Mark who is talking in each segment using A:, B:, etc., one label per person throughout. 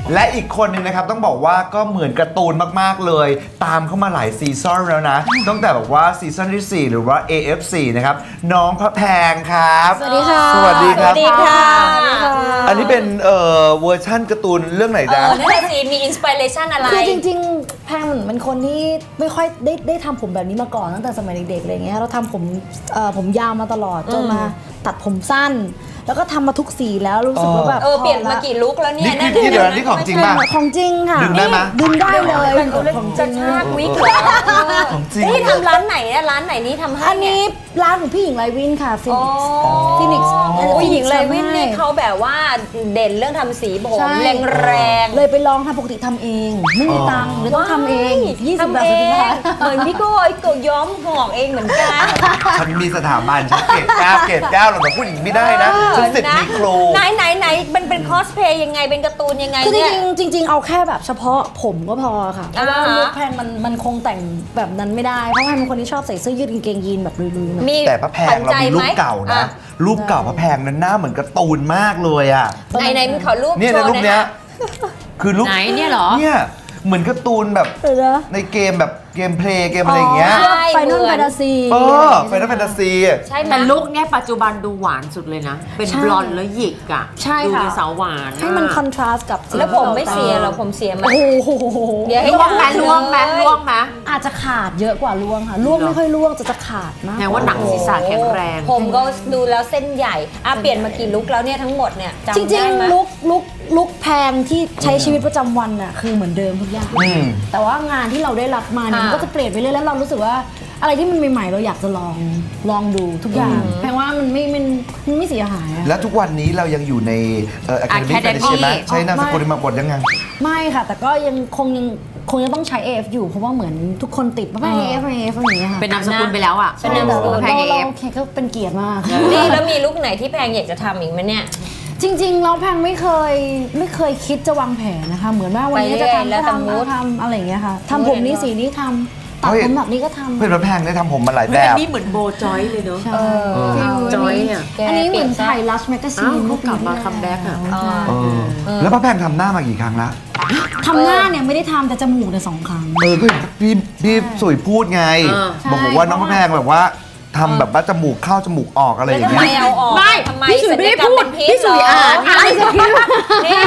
A: และอีกคนนึงนะครับต้องบอกว่าก็เหมือนการ์ตูนมากๆเลยตามเข้ามาหลายซีซั่นแล้วนะตั้งแต่แบบว่าซีซั่นที่ 4 หรือว่า AF4 นะครับน้องพระแพงครับ
B: สวัสดีค่ะ
A: สวัสดีครับ
C: สวัสดีค่ะ
A: อันนี้เป็นเวอร์ชั่นการ์ตูนเรื่องไหนจ๊ะ
C: นั่นแหละสิมีอินสปิเรชันอะไร
B: คือจริงๆแพงเหมือนเป็นคนที่ไม่ค่อยได้ทำผมแบบนี้มาก่อนตั้งแต่สมัยเด็กๆอะไรเงี้ยเราทำผมยาวมาตลอดจนมาตัดผมสั้น แล้วก็ทำมาทุกสีแล้วรู้สึกว่าแบบ
C: เปลี่ยนมากี่ลุคแล้วเนี่ย
A: นี่คือเดี๋ยวนี้ของจริงป่ะ
B: ของจริงค่ะ
A: ดึงได้ไหม
B: ดึงได้เลย
C: ของจะชากวิกเหรอ
A: ของจริง
C: นี่ทำร้านไหนเนี่ยร้านไหนนี่ทำให้
B: อันนี้ร้านของพี่หญิงไลวินค่ะฟินิกซ์ ฟินิกซ์
C: ผู้หญิงเลยวินนี่เขาแบบว่าเด่นเรื่องทำสีผมแรง
B: เลยไปลองทำปกติทำเอง ไม่มีตังค์เลยต้องทำเอง20
C: ทำ
B: บาท
C: เอ
B: สิบ
C: ง
B: บาท
C: เหมือนพี่โก้ไอ้โกย้อมหอกเองเหมือนกัน
A: ฉันมีสถาบันฉันเกรด9เราแบบผู้หญิงไม่ได้นะฉันสิทธิ์มีครู
C: ไหนมันเป็นคอสเพลย์ยังไงเป็นการ์ตูนยังไง
B: คือ
C: เนี่ย
B: จริงๆเอาแค่แบบเฉพาะผมก็พอค่ะเพราะว่า
C: อ่าฮะ
B: ลุคแพงมันคงแต่งแบบนั้นไม่ได้เพราะแพงเป็นคนที่ชอบใส่เสื้อยืดกางเกงยีนแบบลุยๆหน่อย
C: มี
A: แต่พระแพงเรามีรูปเก่านะรูปเก่าพระแพงนั้นหน้าเหมือนการ์ตูนมากเลยอ่ะ
C: ไหนมันขอรูป
A: เนี่ย
C: โช
A: ใน
C: ว์
A: รูป
C: ห
A: เนี้
C: น่
A: ย
C: อย
A: คือรูป
D: ไหนเนี่ยเหรอ
A: เนี่ยเหมือนการ์ตูนแบบ
B: เดี๋ยวนะ
A: ในเกมแบบเกมเพลย์เกมอะไรอย่างเงี้ย
B: ไฟนอลแฟนตาซี
A: ไฟนอลแฟนตาซี
C: ใช่ไหม
D: แต่ลุคเนี่ยปัจจุบันดูหวานสุดเลยนะ เป็นบลอนด์แล้วหยิกอ่ะ
B: ใช่
D: ดู
B: ค่ะ
D: เป็นสาวหวาน
B: ให้มันคอนทราสต์กับ
C: แล้วผมไม่เสียเหรอผมเสียไหม
B: โอ้โห
C: เดี๋ยวให้
D: ล่วงไหมล่วงไหมล่วงไหม
B: อาจจะขาดเยอะกว่าล่วงค่ะล่วงไม่ค่อยล่วงจะขาดมาก
D: แปลว่าหนังศีรษะแข็งแรง
C: ผมก็ดูแล้วเส้นใหญ่เปลี่ยนมากี่ลุคแล้วเนี่ยทั้งหมดเนี่ยจำ
B: จริ
C: ได้
B: ง
C: ไหม
B: ๆลุกแพงที่ใช้ชีวิตประจำวันน่ะคือเหมือนเดิมทุกอย่าง แต่ว่างานที่เราได้รับมาเนี่ยมันก็จะเปลี่ยนไปเรื่อยแล้วเรารู้สึกว่าอะไรที่มันใหม่ๆเราอยากจะลองดูทุกอย่างแพงว่ามันไม่เสียหายอะ
A: แล้วทุกวันนี้เรายังอยู่ในAcademy
D: Academy
A: Foundation ไหมใช้นามสกุลมาบทยังไง
B: ไม่ค่ะ แต่ก็ยังคงจะต้องใช้ AF อยู่เพราะว่าเหมือนทุกคนติดว่า AF อะไรอย่างเงี้ยค่ะ
D: เป็นนามสกุลไปแล้วอ่ะ
C: เป็นนามสกุล
D: แพง
B: เรา
D: เอฟ
B: โอเคก็เป็นเกียรติมาก
C: นี่แล้วมีลุคไหนที่แพงอยากจะทำอีกไหมเนี่ย
B: จริงๆเราแพงไม่เคยคิดจะวางแผนนะคะ เหมือนว่าวันนี้จะทำ
C: แล้วแต่
B: ทำอะไรอย่างเงี้ยค่ะทำผมนี้สีนี้ทำตัดผมแบบนี้ก็ทำ
A: เพื่อนพระแพงได้ทำผมมาหลายแบ
D: อัน
A: บ
D: นี้เหมือนโบจอยเลยเนอะ
B: ใช่
D: จอยอ่ะ
B: อันนี้เหมือนถ่ายลัชแมกกาซี
D: อ้าวน เขากลับมาคัมแบ็กอ่ะ
A: แล้วพระแพงทำหน้ามากี่ครั้งละ
B: ทำหน้าเนี่ยไม่ได้ทำแต่จมูกเนี่ย2 ครั้ง
A: ก็พี่สุยพูดไง บอกว่าน้องพระแพงแบบว่าทำแบบว่าจมูกเข้าจมูกออกอะไรอ
C: แล้ว
A: ย่าง
C: ทำไม
A: เงี้ย
C: เอาออก
D: ไม่
C: ทำไม
D: พี่สุยไม่ได้พูด
C: ศัลยกรรเป็นพิษ
D: พี่สุย
C: เหร
D: อ่านไง
C: นี่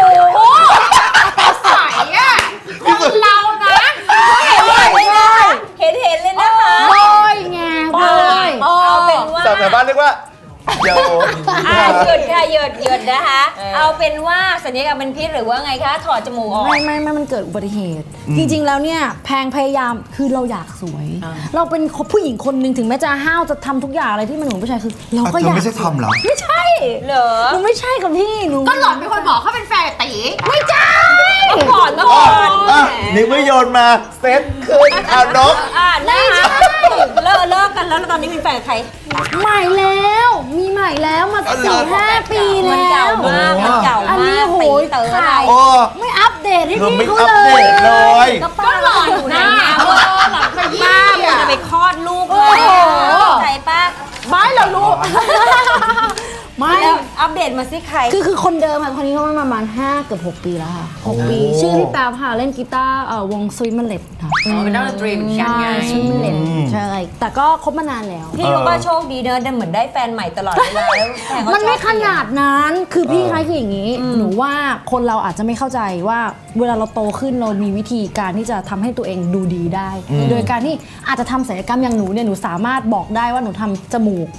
D: ใสอ่ะคนเรานะ
C: เห็นเลยนะคะ
B: โบยไงโบย
C: เอาเป็นว่า
A: สาวแถวบ้านเรียกว่าเดี๋ยว
C: หยุดค่ะหยุดนะคะ เอาเป็นว่าสัญญกรรมเป็นพิษหรือว่าไงคะถอดจมูกออก
B: ไม่มันเกิดอุบัติเหตุ จริงๆแล้วเนี่ยแพงพยายามคือเราอยากสวย เราเป็นผู้หญิงคนหนึ่งถึงแม้จะห้าวจะทำทุกอย่างอะไรที่มันเหมือนผู้ชายคือ เราก็
A: เธ
B: อยา
A: อก ไม่ใช่ทอมเหรอ
B: ไม่ใช่
C: เหรอ
B: หนูไม่ใช่กับพี่หนู
D: ก็หล่อนเป็นคนบอกเขาเป็นแฟนตี
B: ไม่ใช่
C: ก่อน
A: นี่ไม่โยนมาเซ็ตขึ้นเอานก
C: นะคะเลิกกันแล้วตอนนี้มีแฟนใคร
B: ใหม่แล้วมีใหม่แล้วมา 4-5 ปี
C: มัน
B: แล้
C: เก่าว มากมันเก่า
B: อันนี้
C: มาก
B: โหย
C: ตีเต๋อ
B: ข่าว
A: โอ้
B: ไม่อัปเดตให้
A: เธอ
B: พี่
A: ไม่
B: เขา
A: อัปเดตเลย
B: ก็หล่ออยู่
C: ห
B: นะ
C: น้าหลังขยี้ป้ามันจะไปคลอดลูกเลยใจป้า
B: ไม่เรารู้ไม่
C: แล้วอัปเดตมาสิใคร
B: คือคนเดิมค่ะคนนี้เขามาประมาณ5เกือบ6 ปีแล้วค่ะ6 ปีชื่อพี่แป๊บค่ะเล่นกีตาร์วงสวิตเมอร์เลตค่ะ
D: เป็นนักดนตรีเหมือนกันไง
B: สวิตเมอร์เลตใช่แต่ก็คบมานานแล้ว
C: พี่รู้ว่าโชคดีเนอะเหมือนได้แฟนใหม่ตลอดเวลาแล้วแฟนเขา
B: มันไม่
C: ชอบ
B: ขนาดนั้นคือพี่คะคืออย่างนี้ หนูว่าคนเราอาจจะไม่เข้าใจว่าเวลาเราโตขึ้นเรามีวิธีการที่จะทำให้ตัวเองดูดีได้ โดยการที่อาจจะทำศัลยกรรมอย่างหนูเนี่ยหนูสามารถบอกได้ว่าหนูทำจมูก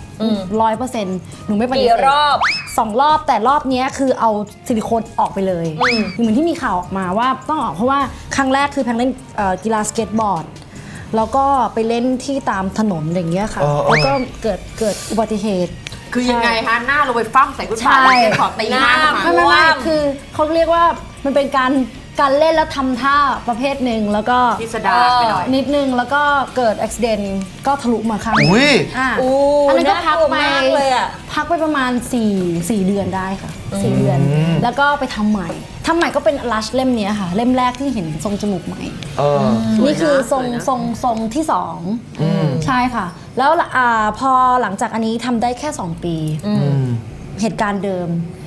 B: 100%หนูไม่ปฏิ
C: กี่
B: เสธ
C: รอบ
B: 2 รอบแต่รอบเนี้ยคือเอาซิลิโคนออกไปเลยเหมือนที่มีข่าวออกมาว่าต้องออกเพราะว่าครั้งแรกคือแพงเล่นกีฬาสเก็ตบอร์ดแล้วก็ไปเล่นที่ตามถนนอย่างเงี้ยค่ะแล้วก็เกิดอุบัติเหตุ
D: คือยังไงคะหน้าเราไปฟั่มใส่คุณป้า
B: ใช่
D: เลยขอตีหน้าทำไม
B: ไม่คือเขาเรียกว่ามันเป็นการเล่นแล้วทำท่าประเภทหนึ่งแล้วก็
D: พิสดารไปหน่อย
B: นิดนึงแล้วก็เกิดอุบิเหตุก็ทะลุมาข้างหนึ่ง
A: อุ้ย
B: อันนั้นก็พักไป
C: น่ากลัวมากเลยอะ
B: พักไปประมาณ4 เดือนได้ค่ะ4 เดือน แล้วก็ไปทำใหม่ก็เป็นลัชเล่มเนี้ยค่ะเล่มแรกที่เห็นทรงจมูกใหม่ นี่คือทรงที่2ใช่ค่ะ แล้วพอหลังจากอันนี้ทำได้แค่2 ปีเหตุการณ์เดิม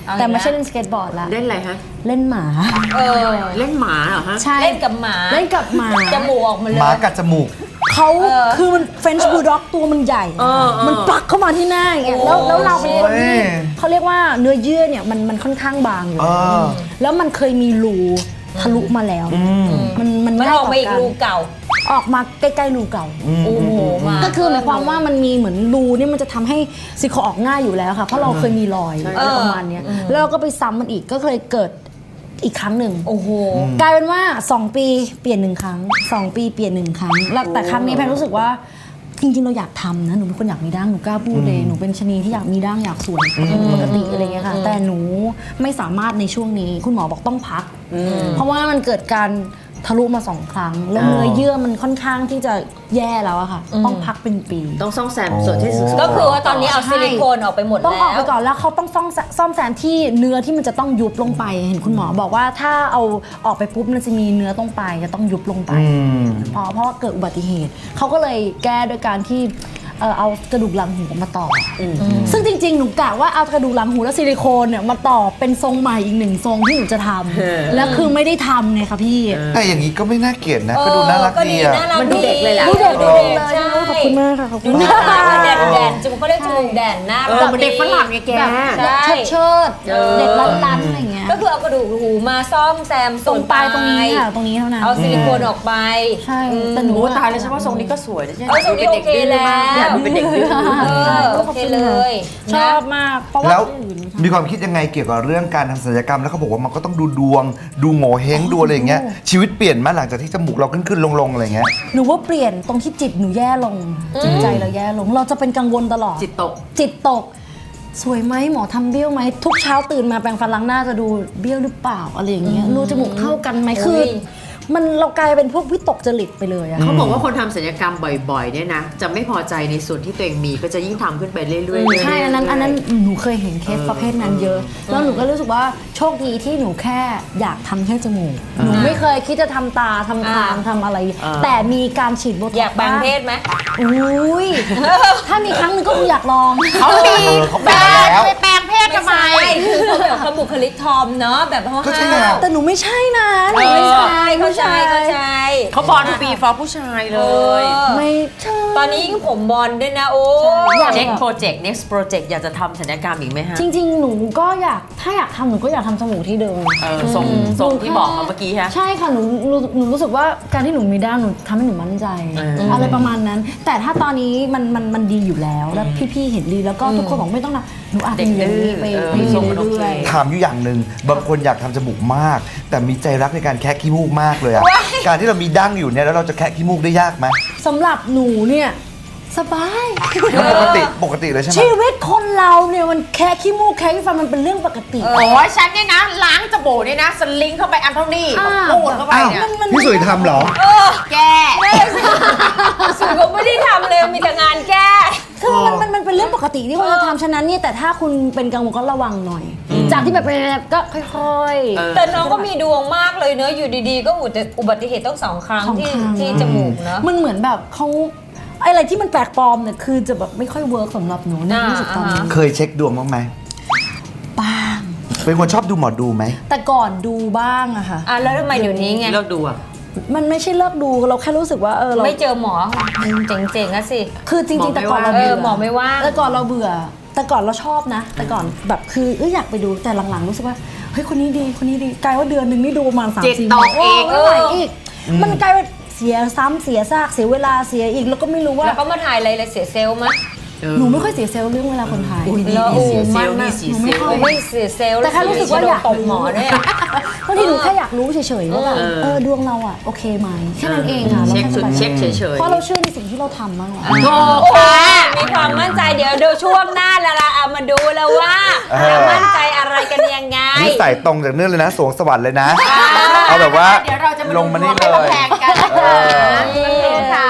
B: แต่ไม่ใช่เล่นสเก็ตบอร์ดละ
D: เล่นอะไรฮะ
B: เล่นหมา
C: เออ
D: เล่นหมาเหรอฮะ
B: ใช่
C: เล่นกับหมา
B: เล่นกับหมา
C: จมูกออกมาเล
A: หมาย กัดจมูก
B: เขาคือมันเฟรนช์บูลด็อกตัวมันใหญ่ มันปักเข้ามาที่หน้าอย่างเงี้ยแล้วเราเป็นคนที่
A: โอ้ย
B: เขาเรียกว่าเนื้อเยื่อเนี่ยมันค่อนข้างบางอยู่
A: เออ
B: แล้วมันเคยมีรูทะลุมาแล้ว มัน
C: มัน
B: ง่าย
C: ออก
B: ต่อ
C: มาอีก
B: การ
C: รูเก่า
B: ออกมาใกล้ๆรูเก่า
C: โอ้โหมา
B: ก็คือหมายความว่ามันมีเหมือนรูเนี่ยมันจะทำให้ซิลิโคนออกง่ายอยู่แล้วค่ะ เพราะเราเคยมีรอยอะไรประมาณเนี้ยแล้วเราก็ไปซ้ำมันอีกก็เคยเกิดอีกครั้งหนึ่ง
C: โอ้โห
B: กลายเป็นว่า 2 ปีเปลี่ยน1ครั้ง 2 ปีเปลี่ยน1ครั้งแล้วแต่ครั้งนี้แพนรู้สึกว่าจริงๆเราอยากทำนะหนูเป็นคนอยากมีดั้งหนูกล้าพูดเลยหนูเป็นชะนีที่อยากมีดั้งอยากสวยปกติอะไรเงี้ยค่ะแต่หนูไม่สามารถในช่วงนี้คุณหมอบอกต้องพัก เพราะว่ามันเกิดการทะลุมา2 ครั้ง แล้วเนื้อเยื่อมันค่อนข้างที่จะแย่แล้วอะค่ะ ต้องพักเป็นปี
D: ต้องซ่อมแซมส่วนที่สึก
C: ก็คือว่าตอนนี้เอาซิลิโคนออกไปหมด
B: ต้อง
C: แล้
B: ออกไป
C: ว
B: ก่อนแล้วเขาต้องซ่อมแซมที่เนื้อที่มันจะต้องยุบลงไปเห็นคุณหมอบอกว่าถ้าเอาออกไปปุ๊บมันจะมีเนื้อตรงปลายจะต้องยุบลงไปเพราะว่าเกิดอุบัติเหตุเขาก็เลยแก้โดยการที่เอากระดูกหลังหูมาต่ออซึ่งจริงๆหนูกะว่าเอากระดูกหลังหูและซิลิโคนเนี่ยมาต่อเป็นทรงใหม่อีก1 ทรงที่หนูจะทำแล้วคือไม่ได้ทำไงคะพี่
A: แต่อย่างนี้ก็ไม่น่าเกลียดนะ ก็ดูน่ารักดีอะ
D: มันดูเด็กเลยแหละ
B: ดูเด็ก
C: ดู
B: เล
C: เด็
B: ย
C: กใช่
B: ขอบคุณมากค่ะขอบคุณ
C: น่า
B: มา
C: รัก
B: ก
C: แดนจมูกเขาเรียกจมูกแดนน่ารัก
D: มันเด็กฝรั่งไงแก
C: ใช่
B: เชิดเด็กลันๆอะไรเงี้ย
C: ก็คือเอากระดูกหูมาซ่อมแซม
B: ตรงปลายตรงนี้ค่ะตรงนี้เท่านั้น
C: เอาซิลิโคนออกไป
B: ใช่แต่หนู
D: โอ้ตายแล้วฉันว่าทรงนี้ก็สวยนะใช่ไหม
C: เออทรงนี้โอเคแล้ว
D: อยากดูเป็นเด็กดื้อ
C: โอเคเลย
B: ชอบมากเพราะว่า
A: แล้วมีความคิดยังไงเกี่ยวกับเรื่องการทำศัลยกรรมแล้วเขาบอกว่ามันก็ต้องดูดวง ดูโง่เฮงดูอะไรอย่างเงี้ยชีวิตเปลี่ยนมาหลังจากที่จมูกเราขึ้นลงอะไรอย่างเงี้ย
B: หนูว่าเปลี่ยนตรงที่จิตหนูแย่ลงจิตใจเราแย่ลง เราจะเป็นกังวลตลอด
D: จิตตก
B: จิตตก สวยไหมหมอทำเบี้ยวไหมทุกเช้าตื่นมาแปรงฟันล้างหน้าจะดูเบี้ยวหรือเปล่าอะไรอย่างเงี้ยรูจมูกเท่ากันไหมคือ มันเรากลายเป็นพวกวิตกจริตไปเลยอะ
D: เขาบอกว่าคนทำศัลยกรรมบ่อยๆเนี่ยนะจะไม่พอใจในส่วนที่ตัวเองมีก็จะยิ่งทำขึ้นไปเรื่อยๆเรื่อยๆ
B: ใช่อันนั้นหนูเคยเห็นเคสประเภทนั้นเยอะ แล้วหนูก็รู้สึกว่าโชคดีที่หนูแค่อยากทำแค่จมูกหนูไม่เคยคิดจะทำตาทำคางทำอะไร แต่มีการฉีดโบท็อกซ์
C: อยากแปลงเพศไหม
B: อุ้ยถ้ามีครั้งหนึงก็คงอยากลอง
D: เขามี
A: เขาแปลงแล้ว
D: ไปแปลงเพศทำไม
C: คือเขาแบบเขาบุคลิกทอมเนาะแบบห้าว
A: ก็ใช่ไง
B: แต่หนูไม่ใช่นะหนูไม่ใช่
C: เข้าใจ
D: เขาบอลปีฟอร์ผู้ชายเลย
B: ไม่ใช่
C: ตอนนี้ยิ่งผมบอลด้วยนะโอ้
B: อยาก
D: next project next project อยากจะทำศัลยกรรมอีกไหมฮะ
B: จริงๆ หนูก็อยากถ้าอยากทำหนูก็อยากทำจมูกที่เดิม
D: ทรงที่บอกมาเมื่อกี้ฮะ
B: ใช่ค่ะหนูรู้สึกว่าการที่หนูมีด้านหนูทำให้หนูมั่นใจ อะไรประมาณนั้น แต่ถ้าตอนนี้มันดีอยู่แล้วแล้วพี่ๆเห็นดีแล้วก็ทุกคนบอกไม่ต้องนะหนูอาจจะอยู่อย่างนี้ไป
D: ทรงมันโอเค
B: เรื่อย
A: ถามอยู่อย่างหนึ่งบางคนอยากทำจมูกมาก แต่มีใจรักในการแคะขี้มูกมากเลยอะการที่เรามีดั้งอยู่เนี่ยแล้วเราจะแคะขี้มูกได้ยากไหม
B: ๆสำหรับหนูเนี่ยสบาย
A: ปกติเลยใช่ไหม
B: ชีวิตคนเราเนี่ยมันแค่ขี้มูกแค่ขี้ฟันมันเป็นเรื่องปกติ
D: โอ้ยฉันเนี่ยนะล้างจมูกเนี่ยนะสลิงเข้าไปอันเท่านี้
B: อ่า
D: ปูดเข้าไปเนี่ย
A: พี่สุยทำเหรอ
D: แก
C: สุดก็ไม่ได้ทำเลยมีแต่งานแก้
B: คือมันเป็นเรื่องปกติที่คนจะทำฉะนั้นเนี่ยแต่ถ้าคุณเป็นกังวลก็ระวังหน่อย จากที่แบบก็ค่อยๆ
C: แต่น้องก็มีดวงมากเลยเนอะอยู่ดีๆ ก็อุบัติเหตุต้อง2 ครั้ง
B: สองครั้ง
C: ที่จมูกเนอะ
B: มันเหมือนแบบเขาอะไรที่มันแปลกปลอมเนี่ยคือจะแบบไม่ค่อยเวิร์กสำหรับหนูในที่สุดตอนนี้
A: เคยเช็คดวงบ้างไหม
B: บ้าง
A: เป็นคนชอบดูหมอดูไหม
B: แต่ก่อนดูบ้างอะค่ะ
C: อ่ะแล้วทำไมเดี๋ยวนี้ไง
D: เลิกดูอ่ะ
B: มันไม่ใช่เลิกดูเราแค่รู้สึกว่าเรา
C: ไม่เจอหมอเจ๋งๆอะสิ
B: คือจริงๆแต่ก่อนเรา
C: เอ
B: เบื่
C: อหมอไม่ว่าง
B: แต่ก่อนเราเบื่อ แต่ก่อนเราชอบนะ แต่ก่อนแบบคืออยากไปดูแต่หลังๆรู้สึกว่าเฮ้ยคนนี้ดีกลายว่าเดือนหนึ่งนี่ดูประมาณ
D: จิต
B: 3-4
D: ตกเอง
B: ไม่ไหวอีกมันกลายเป็นเสียซ้ำเสียซากเสียเวลาเสียอีกแล้วก็ไม่รู้ว่า
C: แล้วเขามาถ่ายอะไรเลยเสียเซลล์มั้ย
B: หนูไม่ค่อยเสียเซลล์เรื่องเวลาคนไทย
D: อุ้ยนี่
C: แล้ว
D: เสียเซลล์
C: มัน
D: นี่เสียเซลล์
C: ไม่เสียเซลล์
B: แต่แค่รู้สึกว่าอยาก
C: ตบหมอเนี่ย
B: บางทีหนูแค่อยากรู้เฉยๆว่าแบบดวงเราอะโอเคไหมแค่นั้นเองค่ะ
D: เช็คสุด
B: ราแค่
D: เช็คเฉยๆ
B: เพราะเราเชื่อในสิ่งที่เราทำมากกว่า
C: โอ้มีความมั่นใจเดี๋ยวดูช่วงหน้าแล้วล่ะเอามาดูแล้วว่าจะมั่นใจอะไรกันยังไง
A: นี่ใส่ตรงจากเนื่องเลยนะสวงสวรรค์เลยนะ เอาแบบว่า
D: เดี๋ยวเราจะมา
A: ลงมานี่เล
D: ดูดวง
A: ย
D: แข่งกันนะคะ
C: นี่ค่ะ